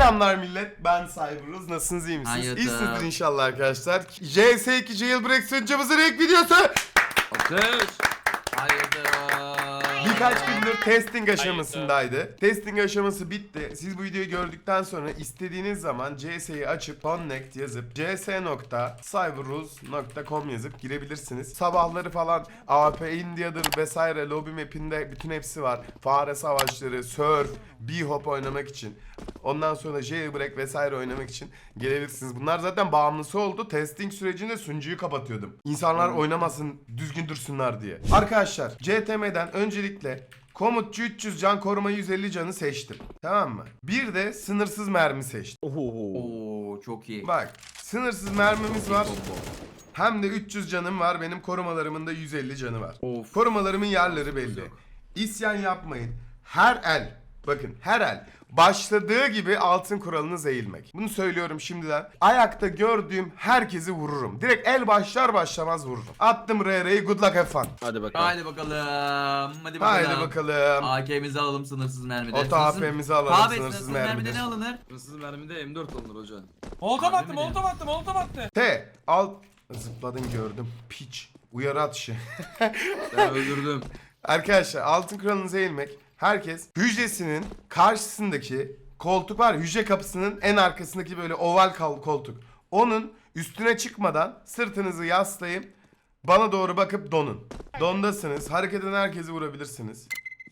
Selamlar millet, ben Cyberuz. Nasılsınız, iyi misiniz? Hayırdır? İyisinizdir inşallah arkadaşlar. CS2 Jailbreak sunucumuzun ilk videosu. Alkış. Hayırdır? Birkaç gündür testing aşamasındaydı. Testing aşaması bitti. Siz bu videoyu gördükten sonra istediğiniz zaman CS'yi açıp connect yazıp cs.cyberuz.com yazıp girebilirsiniz. Sabahları falan AWP India'dır vesaire lobby map'inde bütün hepsi var. Fare savaşları, surf, b-hop oynamak için. Ondan sonra jailbreak vesaire oynamak için gelebilirsiniz. Bunlar zaten bağımlısı oldu. Testing sürecinde sunucuyu kapatıyordum. İnsanlar oynamasın, düzgün dursunlar diye. Arkadaşlar, CTM'den öncelikle komutçu 300 can, koruma 150 canı seçtim. Tamam mı? Bir de sınırsız mermi seçtim. Oo çok iyi. Bak, sınırsız mermimiz var. Combo. Hem de 300 canım var. Benim korumalarımın da 150 canı var. Of. Korumalarımın yerleri belli. İsyan yapmayın. Her el, bakın her el başladığı gibi altın kuralınız eğilmek. Bunu söylüyorum şimdiden. Ayakta gördüğüm herkesi vururum. Direkt el başlar başlamaz vururum. Attım RR'yi, good luck have fun. Hadi bakalım. Haydi bakalım. Hadi bakalım. Haydi bakalım. AK'mizi alalım sınırsız mermide. Oto AP'mizi alalım, Abi sınırsız mermide mermide. ne alınır? Hırsız mermide M4 alınır hocam. Molotov Harbi attı, mi molotov attı, molotov attı. T, al. Zıpladın gördüm. Piç. Uyarı atışı. Ben öldürdüm. Arkadaşlar altın kuralınıza eğilmek. Herkes hücresinin karşısındaki koltuk var. Hücre kapısının en arkasındaki böyle oval koltuk. Onun üstüne çıkmadan sırtınızı yaslayıp bana doğru bakıp donun. Dondasınız. Hareket eden herkesi vurabilirsiniz.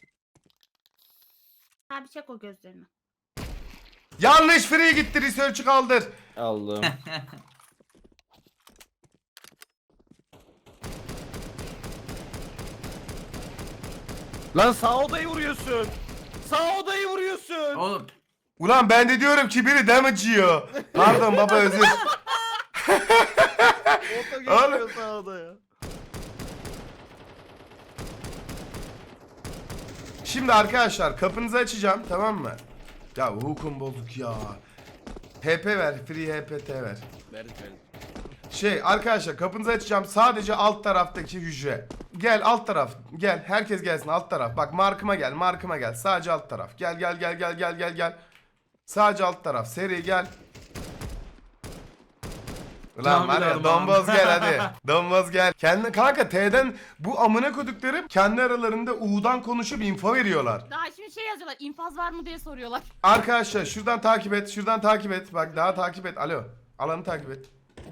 Abi çek o gözlerini. Yanlış free gitti. Research'ı kaldır. Aldım. Lan sağ odayı vuruyorsun. Sağ odayı vuruyorsun. Oğlum. Ulan ben de diyorum ki biri damage yiyor. Pardon baba, özür. Oto geçiyor sağ odaya. Şimdi arkadaşlar kapınızı açacağım, tamam mı? Ya hukum bozuk ya. HP ver. Free HPT ver. Verdik verdik. Arkadaşlar kapınızı açacağım, sadece alt taraftaki hücre. Gel alt taraf, gel herkes gelsin alt taraf. Bak markıma gel, markıma gel, sadece alt taraf. Gel gel gel gel gel gel gel. Sadece alt taraf, seri gel. Ulan Tamam, var ya, tamam. domboz gel hadi. Domboz gel. Kendi kanka T'den bu amına koduklarım kendi aralarında U'dan konuşup info veriyorlar. Daha şimdi şey yazıyorlar, infaz var mı diye soruyorlar. Arkadaşlar şuradan takip et, şuradan takip et. Bak daha takip et. Alo. Alanı takip et.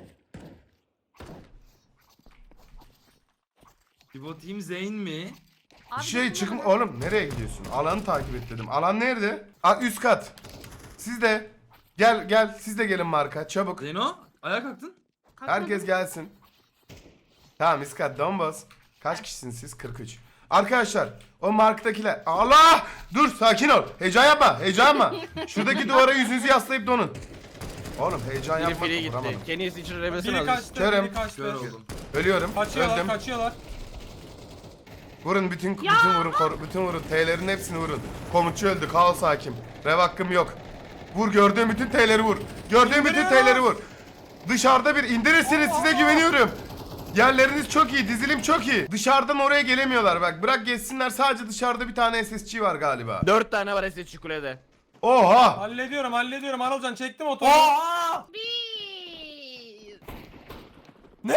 Pivot Team Zeyn mi? Abi Çıkın oğlum, nereye gidiyorsun? Alanı takip et dedim. Alan nerede? Üst kat. Siz de gel gel, siz de gelin marka çabuk. Zeyno ayağa kalktın. Herkes gelsin. Tamam, üst kat domboz. Kaç kişisiniz siz? 43. Arkadaşlar o marktakiler. Allah! Dur, sakin ol. Heyecan yapma. Heyecan yapma. Şuradaki duvara yüzünüzü yaslayıp donun. Oğlum heyecan Biri yapma. free Vuramadım. gitti. Kenny's için rebesini Biri alır. kaçtı, Körüm. biri kaçtı. Kör oldum. Ölüyorum. Kaçıyorlar, Öldüm. kaçıyorlar. Vurun bütün vurun, bütün vurun. T'lerin hepsini vurun. Komutçu öldü. Kaos hakim. Rev hakkım yok. Vur, gördüğün bütün T'leri vur. Gördüğün bütün İndiriyorum. T'leri vur. Dışarıda bir indirirsiniz, size güveniyorum. Yerleriniz çok iyi, dizilim çok iyi. Dışarıdan oraya gelemiyorlar bak. Bırak geçsinler, sadece dışarıda bir tane SSC var galiba. 4 tane var SSC kulede. Oha! Hallediyorum, hallediyorum. Anılcan çektim otoyu. Aa! Bir. Ne?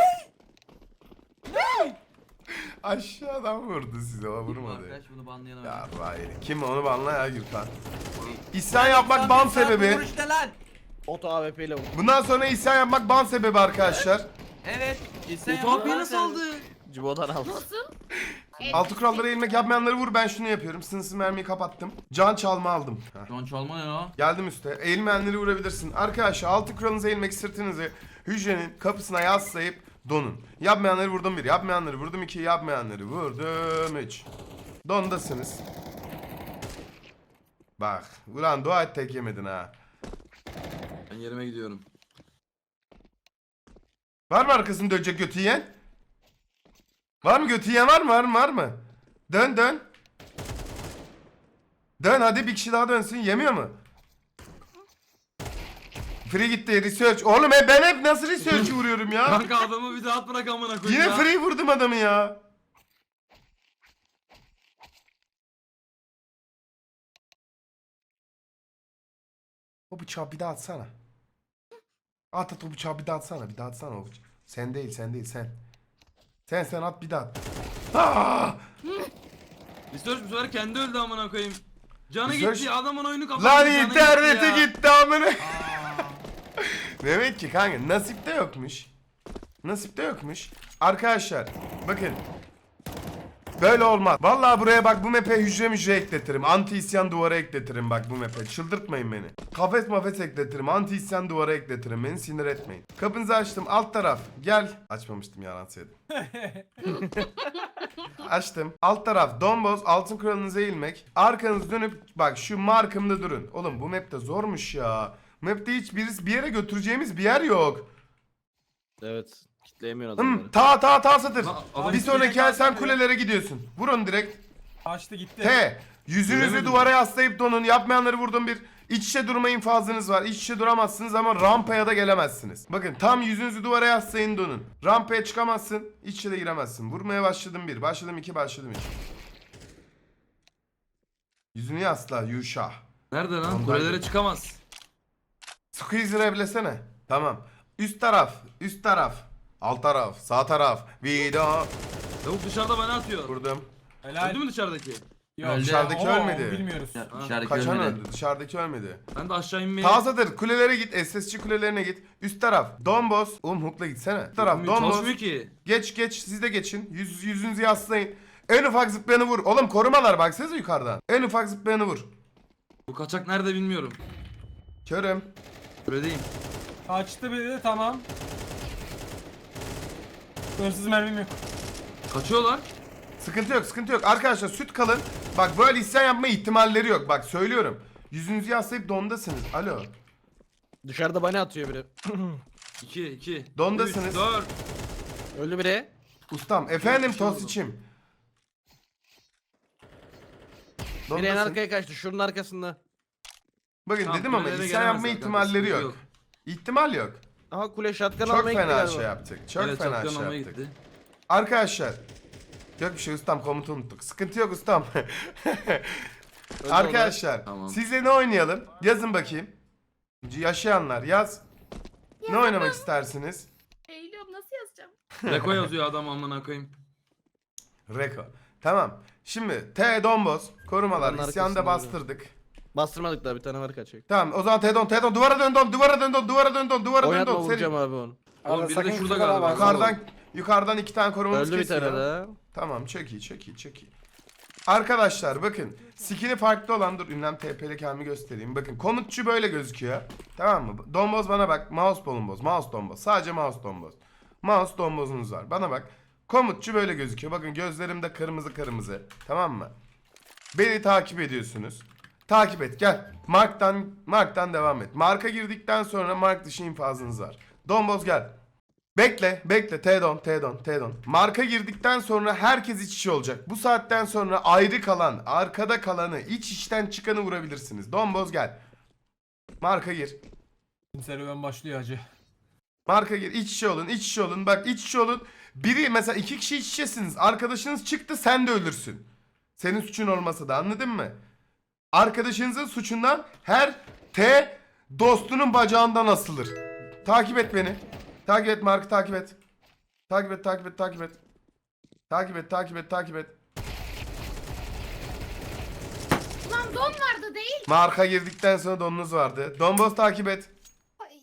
Aşağıdan vurdu size, o vurmadı. Arkadaş bunu banlayalım. Ya vay. Kim onu banla ya Gürkan. İsyan yapmak ban sebebi. Vur işte lan. Oto AWP ile vur. Bundan sonra isyan yapmak ban sebebi arkadaşlar. Evet. İsyan Otomapiyi nasıl aldı? Cibo'dan aldı. Nasıl? Altı kurallara eğilmek yapmayanları vur, ben şunu yapıyorum. Sınırsız mermiyi kapattım. Can çalma aldım. Heh. Don çalma ya. Geldim üste. Eğilmeyenleri vurabilirsin. Arkadaşlar altı kuralınıza eğilmek, sırtınızı hücrenin kapısına yaslayıp donun. Yapmayanları vurdum 1, yapmayanları vurdum 2, yapmayanları vurdum 3. Dondasınız. Bak. Ulan dua et tek yemedin ha. Ben yerime gidiyorum. Var mı arkasını dönecek götü yiyen? Var mı götü yiyen, var mı? Var mı? Dön dön. Dön hadi, bir kişi daha dönsün. Yemiyor mu? Free gitti, research. Oğlum ben hep nasıl research'ı vuruyorum ya? Kanka adamı bir daha at bırak amına koyayım Yine ya. free vurdum adamı ya. O bıçağı bir daha atsana. At o bıçağı bir daha atsana. Bir daha atsana o bıçağı. Sen değil sen. Sen at bir daha at. Aa! Research bu sefer kendi öldü amına koyayım. Canı Research- gitti, adamın oyunu kapattı. Lan canı internete ya. gitti amına. Aa. Demek ki kanka nasipte yokmuş. Nasipte yokmuş. Arkadaşlar bakın. Böyle olmaz. Vallahi buraya bak bu map'e hücre ekletirim. Anti isyan duvarı ekletirim bak bu map'e. Çıldırtmayın beni. Kafes mafes ekletirim. Anti isyan duvarı ekletirim. Beni sinir etmeyin. Kapınızı açtım. Alt taraf. Gel. Açmamıştım yalan söyledim. Açtım. Alt taraf domboz. Altın kralınıza eğilmek. Arkanız dönüp bak şu markımda durun. Oğlum bu map'te zormuş ya. Bu map'te hiç bir yere götüreceğimiz bir yer yok. Evet. Kitleyemiyor adamları. Ta satır. Lan, adam Bir sonraki direkt el sen açtı kulelere gidiyorsun. Vurun direkt. Açtı gitti. T. Yüzünüzü Göremedim. duvara yaslayıp donun. Yapmayanları vurdum bir. İç içe durma infazınız var. İç içe duramazsınız ama rampaya da gelemezsiniz. Bakın tam yüzünüzü duvara yaslayın donun. Rampaya çıkamazsın. İç içe de giremezsin. Vurmaya başladım 1. Başladım 2. Başladım 3. Yüzünü yasla Yuşa. Nerede lan? Ondaydı. Kulelere çıkamaz. Squeeze reblesene. Tamam. Üst taraf. Üst taraf. Alt taraf. Sağ taraf. Vida. Lavuk dışarıda bana atıyor. Vurdum. Helal. Öldü mü dışarıdaki? Yok. Öldü. Dışarıdaki Oo, ölmedi. Bilmiyoruz. Ya, Ha. dışarıdaki Kaçan ölmedi. öldü. Dışarıdaki ölmedi. Ben de aşağı inmeye... Tazadır. Kulelere git. SSC kulelerine git. Üst taraf. Domboz. Oğlum hookla gitsene. Üst taraf. Domboz. Çalışmıyor ki. Geç. Siz de geçin. Yüzünüzü yaslayın. En ufak zıplayanı vur. Oğlum korumalar baksanıza yukarıdan. En ufak zıplayanı vur. Bu kaçak nerede bilmiyorum. Körüm. Kuledeyim. Açtı biri tamam. Hırsız mermim yok. Kaçıyorlar. Sıkıntı yok. Arkadaşlar süt kalın. Bak böyle isyan yapma ihtimalleri yok. Bak söylüyorum. Yüzünüzü yaslayıp dondasınız. Alo. Dışarıda bana atıyor biri. 2. Dondasınız. 3, 4. Öldü biri. Ustam. Efendim Bir şey oldu. Tosiç'im. Biri en Dondasın. arkaya kaçtı. Şunun arkasında. Bakın Tamam, dedim ama kulelere isyan gelemezler yapma kanka, ihtimalleri sıkıntı yok. İhtimal yok. Aha kule şatkan Çok almaya gitti fena galiba. şey yaptık. Çok Evet, fena çoktan şey almaya yaptık. gitti. Arkadaşlar. Yok bir şey ustam komutu unuttuk. Sıkıntı yok ustam. Öldü Arkadaşlar Tamam. sizle ne oynayalım? Yazın bakayım. Yaşayanlar yaz. Ne oynamak istersiniz? Eğiliyorum nasıl yazacağım? Reko yazıyor adam amına koyayım. Reko. Tamam. Şimdi T Domboz korumalar Onların isyanda arkasında bastırdık. Bastırmadık daha bir tane var kaçacak. Tamam o zaman T Don duvara dön Don duvara dön Oynatma Don. vuracağım abi onu. Oğlum biri de sakın şurada şurada galiba. bak. Yukarıdan 2 tane korumamız Öldü bir kesiyor. tane daha. Tamam çok iyi. Arkadaşlar bakın skin'i farklı olan dur ünlem TP'li kendimi göstereyim. Bakın komutçu böyle gözüküyor. Tamam mı? Domboz bana bak. Mouse domboz. Sadece mouse domboz. Mouse dombozunuz var. Bana bak. Komutçu böyle gözüküyor. Bakın gözlerimde kırmızı. Tamam mı? Beni takip ediyorsunuz. Takip et gel. Mark'tan devam et. Marka girdikten sonra mark dışı infazınız var. Domboz gel. Bekle. T-Don. Marka girdikten sonra herkes iç içe olacak. Bu saatten sonra ayrı kalan, arkada kalanı, iç içten çıkanı vurabilirsiniz. Domboz gel. Marka gir. Serüven başlıyor hacı. Marka gir. İç içe olun. Bak iç içe olun. Biri mesela 2 kişi iç içesiniz. Arkadaşınız çıktı sen de ölürsün. Senin suçun olmasa da anladın mı? Arkadaşınızın suçundan her T dostunun bacağından asılır. Takip et beni. Takip et Mark'ı takip et. Takip et. Ulan don vardı değil. Marka girdikten sonra donunuz vardı. Domboz takip et. Ay.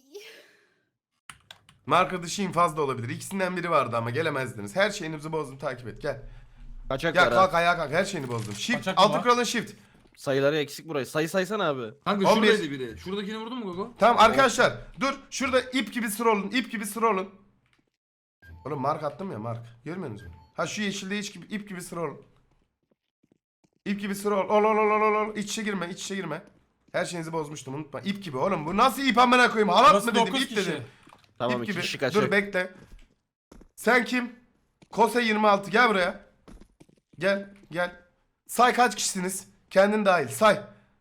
Marka dışı infaz da olabilir. İkisinden biri vardı ama gelemezdiniz. Her şeyinizi bozdum takip et gel. Kaçak Gel var kalk ha. ayağa kalk her şeyini bozdum. Shift Kaçak mı altı var? kralın shift. Sayıları eksik burayı. Sayı saysana abi. Kanka 11. şuradaydı biri. Şuradakini vurdun mu Gogo? Tamam arkadaşlar dur şurada ip gibi sıra olun. Oğlum mark attım ya mark. Görmüyor musunuz? Ha şu yeşilde ip gibi sıra olun. İp gibi sıra ol. İç içe girme. Her şeyinizi bozmuştum unutma. İp gibi oğlum bu nasıl ip amına koyayım? Halat Burası mı dedim 9 ip kişi. dedim. Tamam İp iki gibi. kişi kaçacak. Dur bekle. Sen kim? Kose 26 gel buraya. Gel. Say kaç kişisiniz? Kendin dahil say.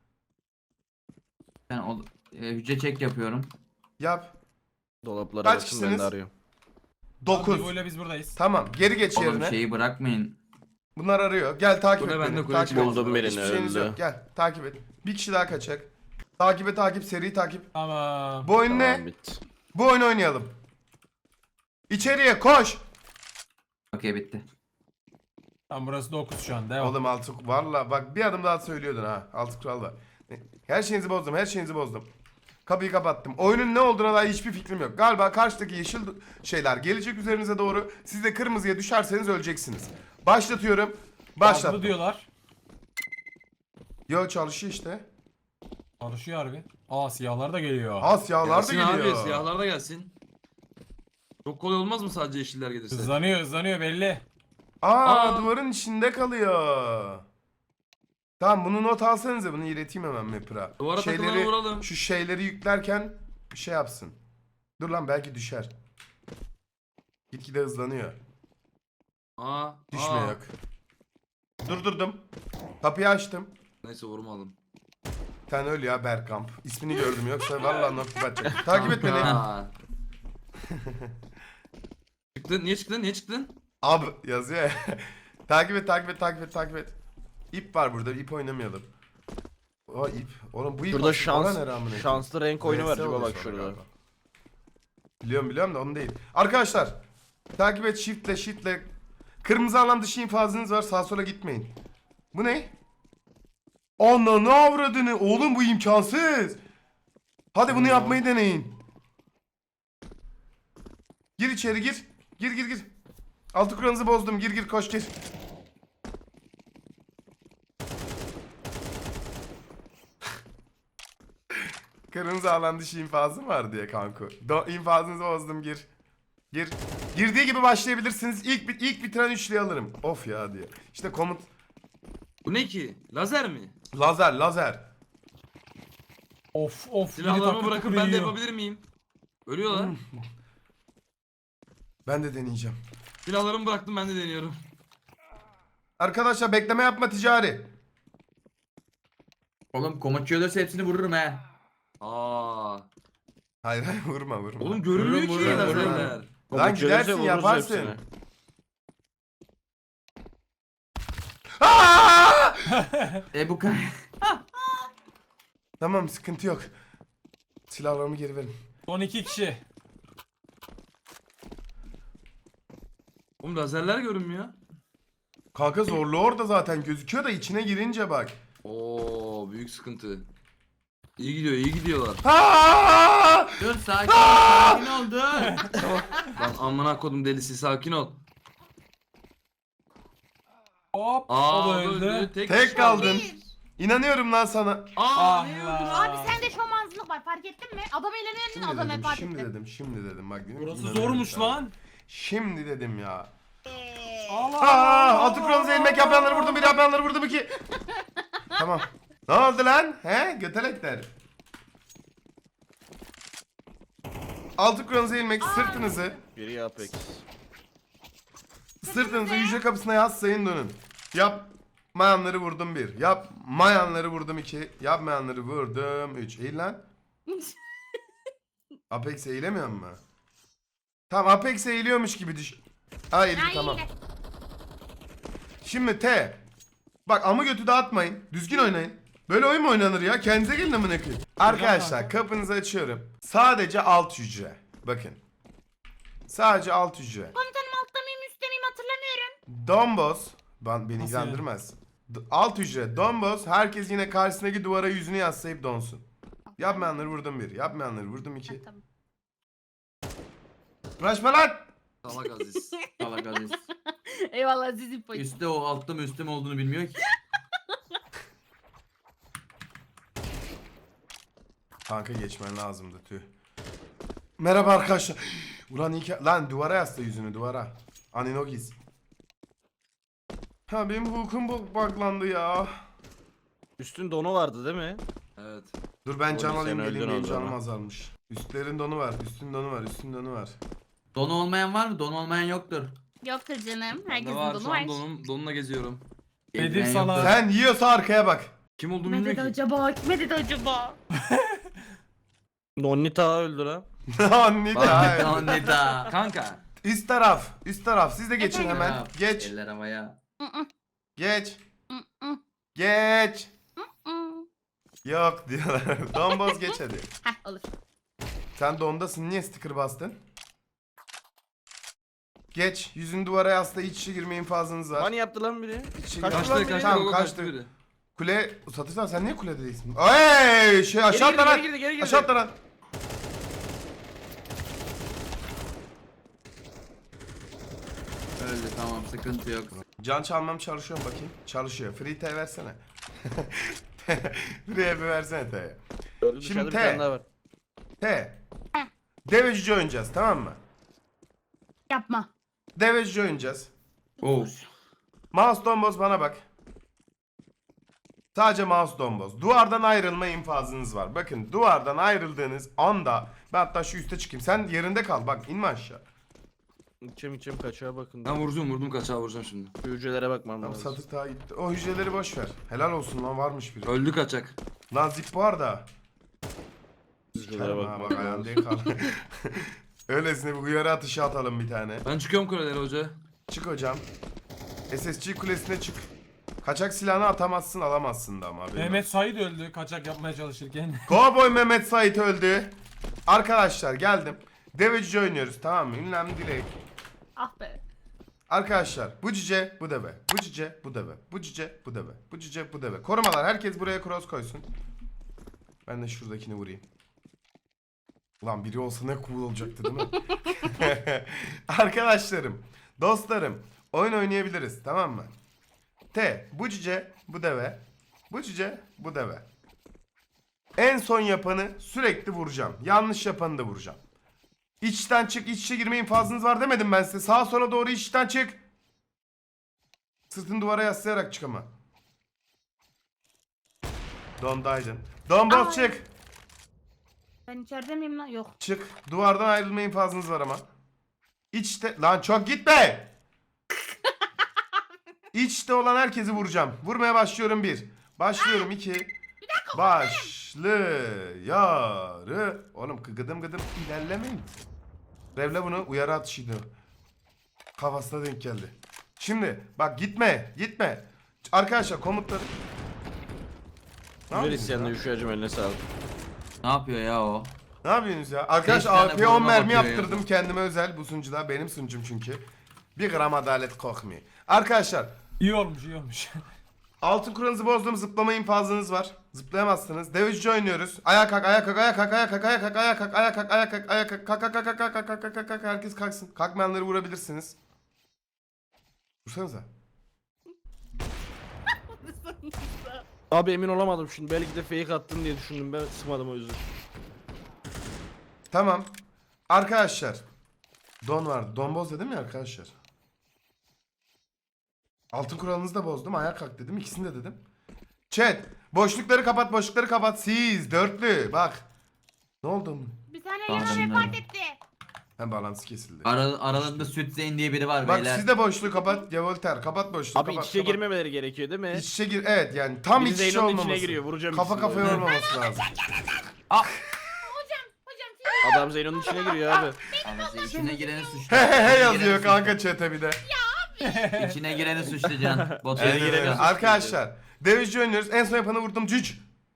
Ben hücre çek yapıyorum. Yap. Dolapları Kaç açın ben kişisiniz? de arıyorum. 9. Böyle biz buradayız. Tamam geri geç Oğlum yerine. şeyi bırakmayın. Bunlar arıyor. Gel takip Kule et bende, beni. kule Takip içinde. et. Buldum birini, Hiçbir şeyiniz öldü. yok. Gel takip et. Bir kişi daha kaçacak. Takibe takip, seri takip. Tamam. Bu oyun Tamam ne? bitti. Bu oyunu oynayalım. İçeriye koş. Okey bitti. Tamam burası 9 şu an. Devam. Oğlum altı valla bak bir adım daha söylüyordun ha. Altı kural var. Her şeyinizi bozdum, her şeyinizi bozdum. Kapıyı kapattım. Oyunun ne olduğuna dair hiçbir fikrim yok. Galiba karşıdaki yeşil şeyler gelecek üzerinize doğru. Siz de kırmızıya düşerseniz öleceksiniz. Başlatıyorum. Başladı Başlattım. diyorlar. Yo çalışıyor işte. Çalışıyor harbi. Aa siyahlar da geliyor. Asyalar da Gelsin abi geliyor. siyahlar da gelsin. Çok kolay olmaz mı sadece yeşiller gelirse? Hızlanıyor belli. Aa, duvarın içinde kalıyor. Tamam bunu not alsanıza, bunu ileteyim hemen Mapper'a. Duvara takılanı vuralım. Şu şeyleri yüklerken bir şey yapsın. Dur lan belki düşer. Gitgide hızlanıyor. Düşme yok. Durdurdum. Kapıyı açtım. Neyse vurmadım. Sen öl ya Bergkamp. İsmini gördüm yoksa vallahi nokta atacak. Takip et beni. Aa. Çıktın niye çıktın niye çıktın? Ab yazıyor ya. takip et. İp var burada, ip oynamayalım. O ip. Oğlum bu ip Şurada aslında şans, ne rağmen ip? şanslı renk oyunu var VS acaba oluyor bak sonra şurada. galiba. Biliyorum da onu değil. Arkadaşlar takip et, shiftle. Kırmızı alan dışı infazınız var, sağa sola gitmeyin. Bu ne? Ananı avradını. Oğlum bu imkansız. Hadi bunu yapmayı deneyin. Gir içeri gir. Gir. Altı kuralınızı bozdum. Gir koş gir. Kırmızı alan dışı infazım var diye kanku. İnfazınızı bozdum gir. Gir. Girdiği gibi başlayabilirsiniz. İlk bitiren üçlüyü alırım. Of ya diye. İşte komut. Bu ne ki? Lazer mi? Lazer. Of. Silahlarımı bırakıp ben de yapabilir miyim? Ölüyorlar. Ben de deneyeceğim. Silahlarımı bıraktım ben de deniyorum. Arkadaşlar bekleme yapma ticari. Oğlum komutçu ölürse hepsini vururum he. Aa. Hayır vurma. Oğlum görünmüyor ki Vururum. lazerler. Lan Komut gidersin gelirse vururuz yaparsın. hepsini. Aa! Bu kadar. Tamam sıkıntı yok. Silahlarımı geri verin. Son 2 kişi. Oğlum lazerler görünmüyor. Kanka zorlu orada zaten gözüküyor da içine girince bak. Oo büyük sıkıntı. İyi gidiyorlar. Aa! Dur sakin ol dur. Lan amına kodum delisi sakin ol. Hop. Aa o da öldü. Tek kaldın. İnanıyorum lan sana. Aa Ah ne ya. öldü? Abi sende şomazlık var fark ettin mi? Adam eğlenirken adam vefat etti. Şimdi dedim bak. Burası İnanıyorum zormuş sana. lan. Şimdi dedim ya. Allah. Altı kuralınızı ilmek yapmayanları vurdum, bir yapmayanları vurdum iki. Tamam. Ne oldu lan? He? Götelekler. Altı kuralınızı ilmek, sırtınızı Biri Apex. hücre kapısına yaslayın dönün. Yapmayanları vurdum bir. Yapmayanları vurdum iki. Yapmayanları vurdum üç. Eğil lan. Apex eğilemiyor mu? Tamam Apex eğiliyormuş gibi düş. Ha eğildi tamam. Şimdi T. Bak amı götü dağıtmayın. Düzgün oynayın. Böyle oyun mu oynanır ya? Kendinize gelin amına koyayım. Arkadaşlar kapınızı açıyorum. Sadece alt hücre. Bakın. Sadece alt hücre. Komutanım altta mıyım üstte miyim hatırlamıyorum. Domboz. Beni Nasıl ilgilendirmez. Alt hücre. Domboz. Herkes yine karşısındaki duvara yüzünü yaslayıp donsun. Yapmayanları vurdum bir. Yapmayanları vurdum iki. Tamam. Uğraşma lan. Salak Aziz. Allah kahretsin. Eyvallah Aziz'in payı. Üstte o altta mı üstte mi olduğunu bilmiyor ki. Kanka geçmen lazımdı tüh. Merhaba arkadaşlar. Ulan iyi ki... Lan duvara yasla yüzünü duvara. Aninogiz. Ha benim hukum buglandı ya. Üstün donu vardı değil mi? Evet. Dur ben can Oğlum sen alayım geleyim öldün benim o canım zaman. azalmış. Üstlerin donu var, üstün donu var, üstün donu var. Donu olmayan var mı? Don olmayan yoktur. Yoktur canım. Bende Herkesin var donu şu var. an donumla geziyorum. Bedir Eldiven sana- yoktur. Sen yiyorsa arkaya bak. Kim olduğunu Kime dedi bilmiyor ki. acaba? Kime dedi acaba? Nonnita öldü lan. Anne Bak ya. Nida. Kanka. Üst taraf, üst taraf. Siz de geçin Efendim? hemen. Geç, Eller havaya. Mm, mm, geç, mm, mm, geç. mm. Yok diyorlar. Domboz geç hadi. Heh olur. Sen dondasın, niye sticker bastın? Geç. Yüzünü duvara yasla, iç içe girme infazınız var. Hani yaptı lan biri? İç içe Kaçtı girme. lan Kaçtı biri. kaçtı. Tamam, Gogo kaçtı. kaçtı biri. Kule satırsan sen niye kulede değilsin? Ey şey aşağı atla lan. Geri girdi. Aşağı atla lan. Öldü tamam sıkıntı yok. Can çalmam çalışıyor mu bakayım? Çalışıyor. Free T versene. Free bir versene T'ye. Şimdi Şimdi bir T. tane daha var. T. Devecici oynayacağız, tamam mı? Yapma. Devecici oynayacağız. Oh. Mouse domboz bana bak. Sadece mouse domboz. Duvardan ayrılma infazınız var. Bakın duvardan ayrıldığınız anda ben hatta şu üste çıkayım. Sen yerinde kal, bak inme aşağı. İçim kaçağa bakın. Ben vurdum kaçağı vuracağım şimdi. Hücrelere bakmam Tamam, lazım. satır daha gitti. O hücreleri boş ver. Helal olsun lan, varmış biri. Öldü kaçak. Lan zip var da. Hücrelere Ha, bakmam bak ayağın lazım. değil kal. Öylesine bir uyarı atışı atalım bir tane. Ben çıkıyorum kulelere hoca. Çık hocam. SSG kulesine çık. Kaçak silahını atamazsın, alamazsın da ama. haberin Mehmet Said öldü kaçak yapmaya çalışırken. Cowboy Mehmet Sait öldü. Arkadaşlar geldim. Devecici oynuyoruz, tamam mı? Ünlem Dilek. Ah be. Arkadaşlar bu cüce bu deve. Bu cüce bu deve. Bu cüce bu deve. Bu cüce bu deve. Korumalar, herkes buraya cross koysun. Ben de şuradakini vurayım. Ulan biri olsa ne cool olacaktı değil mi? Arkadaşlarım, dostlarım, oyun oynayabiliriz, tamam mı? T, bu cüce bu deve. Bu cüce bu deve. En son yapanı sürekli vuracağım. Yanlış yapanı da vuracağım. İçten çık, iç içe girme infazınız var demedim ben size. Sağa sola doğru içten çık. Sırtını duvara yaslayarak çık ama. Dondaydın. Domboz Ay. çık. Ben içeride miyim lan? Yok. Çık. Duvardan ayrılma infazınız var ama. İçte... Lan çok gitme. İçte olan herkesi vuracağım. Vurmaya başlıyorum 1. Başlıyorum 2. Başlıyorum. Oğlum gıdım gıdım ilerlemeyin. Revle bunu uyarı atışıydı. Kafasına denk geldi. Şimdi bak gitme. Arkadaşlar komutları. Ne Güzel yapıyorsunuz isyanla ya? Yuşacım eline sağlık. Ne yapıyor ya o? Ne yapıyorsunuz ya? Beş Arkadaşlar tane AP'ye 10 vurma mermi bakıyor yaptırdım ya. kendime özel bu sunucuda. Benim sunucum çünkü. Bir gram adalet kokmuyor. Arkadaşlar İyi olmuş. altın kuralınızı bozdum, zıplama infazınız var. Zıplayamazsınız. Devecici oynuyoruz. Ayağa kalk, ayağa kalk, ayağa kalk, ayağa kalk, ayağa kalk, ayağa kalk, ayağa kalk, ayağa kalk, ayağa kalk, kalk, kalk, kalk, kalk, kalk, kalk, kalk, kalk, kalk, herkes kalksın. Kalkmayanları vurabilirsiniz. Vursanıza. Abi emin olamadım şimdi. Belki de fake attın diye düşündüm. Ben sıkmadım o yüzden. Tamam. Arkadaşlar. Don vardı. Donboz dedim ya arkadaşlar. Altın kuralınızı da bozdum. Ayağa kalk dedim. İkisini de dedim. Chat. Boşlukları kapat, boşlukları kapat. Siz dörtlü. Bak. Ne oldu? Bir tane Tamam, yana ben vefat de. etti. Hem bağlantısı kesildi. Aralarında Süt Zeyn diye biri var Bak beyler. siz de boşluğu kapat. Ya Voltaire kapat boşluğu. Abi kapat, iç içe kapat. girmemeleri gerekiyor değil mi? İç içe gir. Evet yani tam Biri iç içe Zeyno'nun olmaması. içine giriyor. Vuracağım Kafa ikisini kafaya de. olmaması lazım. Hocam siz Adam Zeyno'nun içine giriyor abi. Ama içine gireni suçlu. He he he İçine yazıyor gireni kanka chat'e bir de. suçlu. İçine gireni suçlayacaksın. Botu Evet, gireni evet. suçlayacaksın. Arkadaşlar Deveci oynuyoruz. En son yapanı vurdum. Cüc.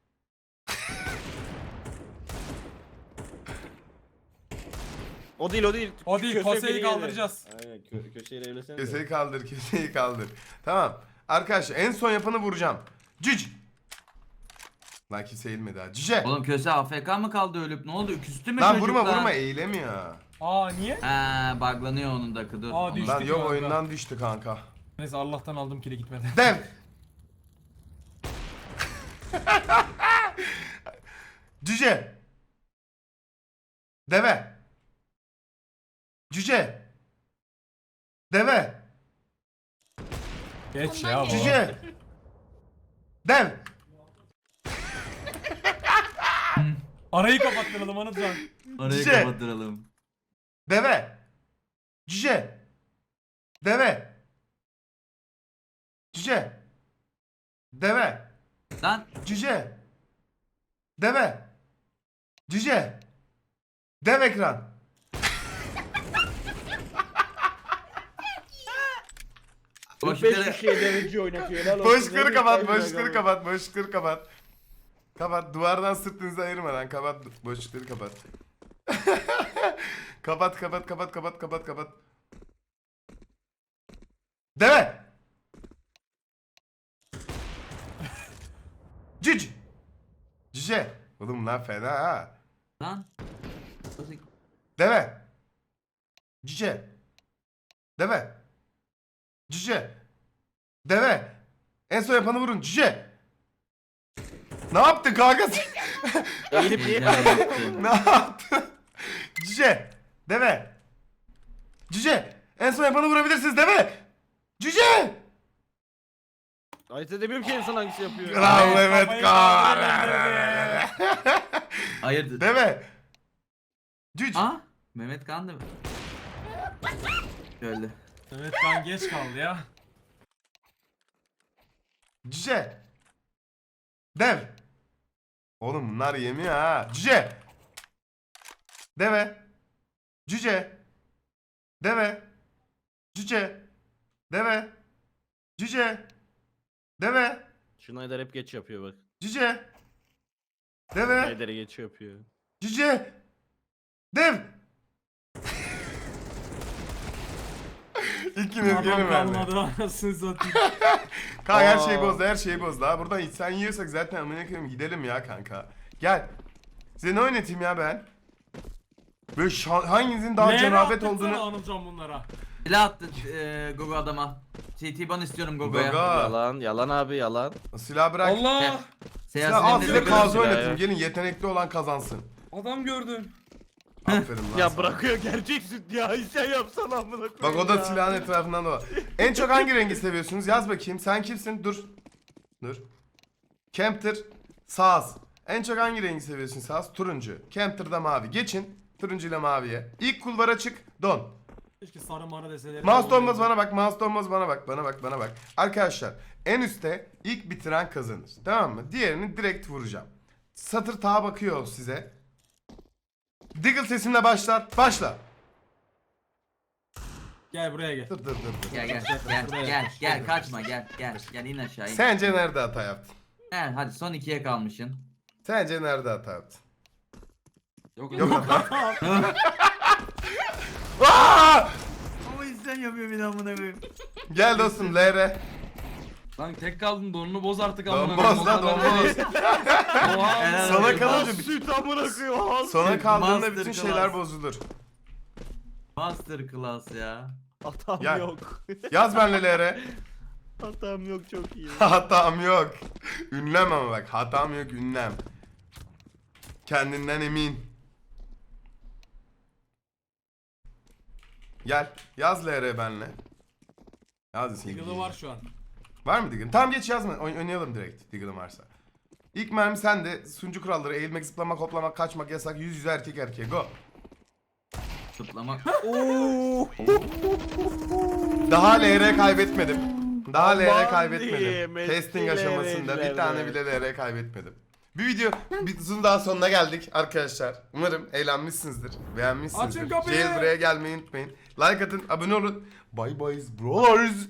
O değil. O değil, Köşeye Kose'yi biri kaldıracağız. geliyor. Aynen köşeyle evlesene. Köseyi kaldır, köseyi kaldır. Tamam. Arkadaşlar en son yapanı vuracağım. Cüc. Lan kimse eğilmedi ha. Cüce. Oğlum köse AFK mı kaldı ölüp ne oldu? Küstü mü Lan çocuk vurma lan? vurma eğilemiyor. Aa niye? He buglanıyor onun da dur. Aa, Onu- düştü. Lan yok kanka. oyundan düştü kanka. Neyse Allah'tan aldım kili gitmedi. Dev. Cüce. Deve. Cüce. Deve. Geç ya bu. Cüce. Dev. Arayı kapattıralım Anıtcan. Orayı Cüce. kapattıralım. Deve. Cüce. Deve. Cüce. Deve. Lan Cüce. Deve. Cüce. Dev ekran. boşlukları 5 kişiye deveci oynatıyor. Helal olsun. Boşlukları Deveci kapat, kaybediyor boşlukları abi. kapat, boşlukları kapat. Kapat. Duvardan sırtınızı ayırmadan kapat. Boşlukları kapat. kapat. Deve. Cüc. Cüce. Oğlum bunlar fena ha. Lan. Deve. Cüce. Deve. Cüce. Deve. En son yapanı vurun. Cüce. Ne yaptın kanka? Eğilip niye Ne yaptın? Cüce. Deve. Cüce. En son yapanı vurabilirsiniz deve. Cüce. Ayırt edemiyorum ki insan hangisi yapıyor. Kral Mehmet kafayı Kağan. kaldırdı. Hayırdır? Deve. Cüc. Aa, Mehmet Kan da mı? Şöyle. Evet kan geç kaldı ya. Cüce. Dev. Oğlum bunlar yemiyor ha. Cüce. Deve. Cüce. Deve. Cüce. Deve. Cüce. Deve. Schneider hep geç yapıyor bak. Cüce. Deve. Schneider'e geç yapıyor. Cüce. Dev. İkiniz Adam gelin benimle. kalmadı anasını satayım. Kanka her şeyi Aa. bozdu, her şeyi bozdu. Ha buradan sen yiyorsak zaten amına koyayım gidelim ya kanka. Gel. Size ne oynatayım ya ben? Böyle hanginizin daha Leğene cenabet attırsana olduğunu... Anılcan bunlara. Silah attı Gogo adama. CT ban istiyorum Gogo'ya. Gogo. Yalan, yalan abi yalan. Silah bırak. Allah! Silah al size Gogo. kazı silah oynatayım. ya. Gelin yetenekli olan kazansın. Adam gördüm. Aferin lan Ya sana. bırakıyor gerçek süt ya. Sen yapsana amına koyayım. Bak o da ya. silahın etrafından da var. En çok hangi rengi seviyorsunuz? Yaz bakayım. Sen kimsin? Dur. Dur. Kempter. Saz. En çok hangi rengi seviyorsun Saz? Turuncu. Kempter'da mavi. Geçin. Turuncu ile maviye. İlk kulvara çık. Don. Keşke sarı mara deseler. Mouse donmaz bana bak. Mouse donmaz bana bak. Bana bak. Arkadaşlar en üstte ilk bitiren kazanır. Tamam mı? Diğerini direkt vuracağım. Satır tağa bakıyor size. Diggle sesimle başlar. Başla. Gel buraya gel. Dur. Gel kaçma gel in aşağı in. Sence nerede hata yaptın? Gel hadi son 2'ye kalmışsın. Sence nerede hata yaptın? Yok Yok yok. hata. Aa! Ama sen yapıyor bir amına koyayım. Gel dostum LR. Lan tek kaldın donunu boz artık amına Donmaz koyayım, lan o kadar donmaz. değil. Oha. Helal Sona olsun. kalınca Süt amına koyayım. sona kaldığında Master bütün class. şeyler bozulur. Master class ya. Hatam Ya. yok. Yaz benle LR. Hatam yok çok iyi. Hatam yok. Ünlem ama bak. Hatam yok ünlem. Kendinden emin. Gel. Yaz LR benle. Yaz sevgili. Diggle'ı var şu an. Var mı Diggle? Tamam geç yazma. Oynayalım direkt Diggle'ın varsa. İlk mermi sende. Sunucu kuralları. Eğilmek, zıplamak, hoplamak, kaçmak yasak. Yüz yüze erkek erkeğe. Go. Tutlamak. Daha LR kaybetmedim. Daha LR Aman kaybetmedim. diyeyim, Testing eski aşamasında bir LR. tane bile LR kaybetmedim. Bir videonun daha sonuna geldik arkadaşlar. Umarım eğlenmişsinizdir. Beğenmişsinizdir. Açın kapıyı. Jailbreak'e gelmeyi unutmayın. Like atın, abone olun. Bye bye bros.